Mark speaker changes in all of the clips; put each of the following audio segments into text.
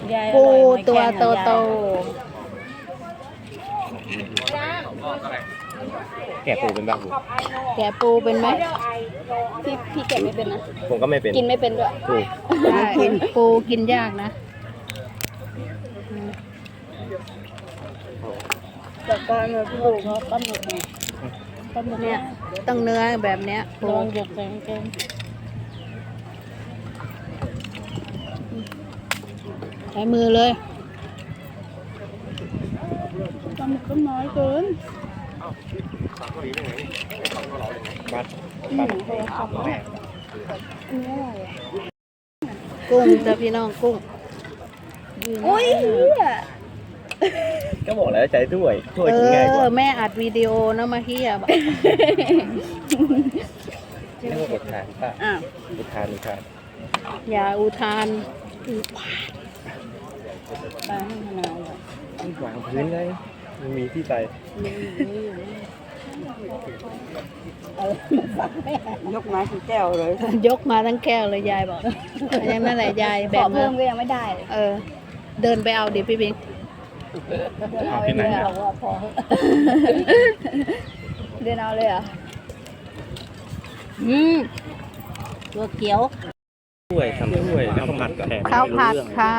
Speaker 1: ปูตัวโต
Speaker 2: แกะปูเป็นบ้าง
Speaker 1: ๆแกะปูเป็นไหมพี่แกะไม่เป็นนะ
Speaker 2: ผมก็ไม่เป็น
Speaker 1: กินไม่เป็นด้วย
Speaker 2: ถูก
Speaker 1: กินปูกินยากนะแต่ก็เนื้อปูเขาต้มหมดเนี่ยต้องเนื้อแบบเนี้ยปูลองหยกใส่กางเกงใช้มือเลยปลาหมึกก็น้อยเกินกุ้งจ้ะพี่น้องกุ้งโอ้ย
Speaker 2: ก็บอกแล้วใจถ้วยกินง่ายกว่า
Speaker 1: แม่อัดวิดีโอนะมาเฮียบอก
Speaker 2: เรียกว่าอุทานป่ะอุทาน
Speaker 1: อย่าอุทาน
Speaker 2: วางพื้นเลยมันมีที่ใส่
Speaker 3: ยกมาทั้งแก้วเลย
Speaker 1: ยกมาทั้งแก้วเลยยายบอกอย่างนั้นแหละยายแบ่งเพิ่มก็ยังไม่ได้เดินไปเอาดิพี่บิ๊ก
Speaker 2: เอาที่ไหน
Speaker 1: บอกว่าพอเดินเอาเลยเหรอตัวเขียว
Speaker 2: ถ้วยทำถ้วยแล้วก็ผัดแทน
Speaker 1: ข้าวผัดค่ะ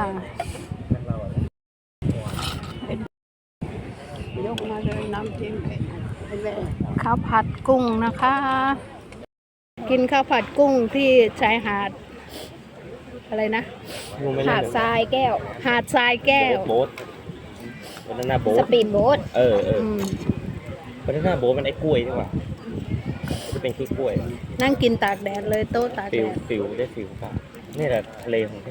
Speaker 1: ยกมาเลยน้ำจิ้มข้าวผัดกุ้งนะคะ กินข้าวผัดกุ้งที่ชายหาดอะไรนะหาดทรายแก้วหาดทรายแก้ว
Speaker 2: โบ๊ทบานาน่าโบ๊ท
Speaker 1: สปีดโบ๊ท
Speaker 2: บานาน่าโบ๊ทมันไอ้กล้วยนี่หว่าจะเป็นกล้วย
Speaker 1: นั่งกินตากแดดเลยโต๊ะตากแดด
Speaker 2: ฟิลได้ฟิลป่ะนี่แหละทะเลของแท้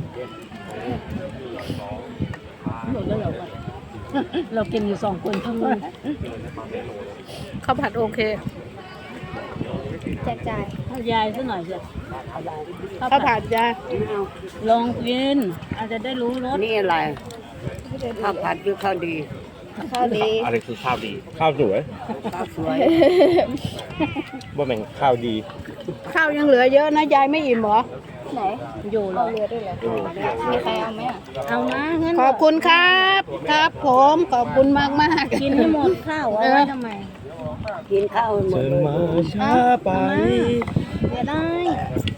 Speaker 1: หมดแล้วเหรอเรากินอยู่2 คนทั้งนั้นข้าวผัดโอเคแจกจ่ายยายซะหน่อยสิข้าวผัดยายลองกินอาจจะได้รู้รส
Speaker 3: นี่อะไรข้าวผัดหรือข้าวดี
Speaker 1: ข้าวดี
Speaker 2: อะไรคือข้าวดีข้าวสวย
Speaker 3: ข้าวสวย
Speaker 2: ว่าแม่งข้าวดี
Speaker 1: ข้าวยังเหลือเยอะนะยายไม่อิ่มเหรอไหน อยู่เหรอ
Speaker 3: มีใครเอาไหม
Speaker 1: เอานะงั้นขอบคุณครับครับผมขอบคุณมากมากกินให้หมดข้าวเอาไว้ทำไม
Speaker 3: กินข้าวหมด
Speaker 2: เชิญ
Speaker 3: เลย
Speaker 2: มาช้าไป
Speaker 1: เดี๋ยวได้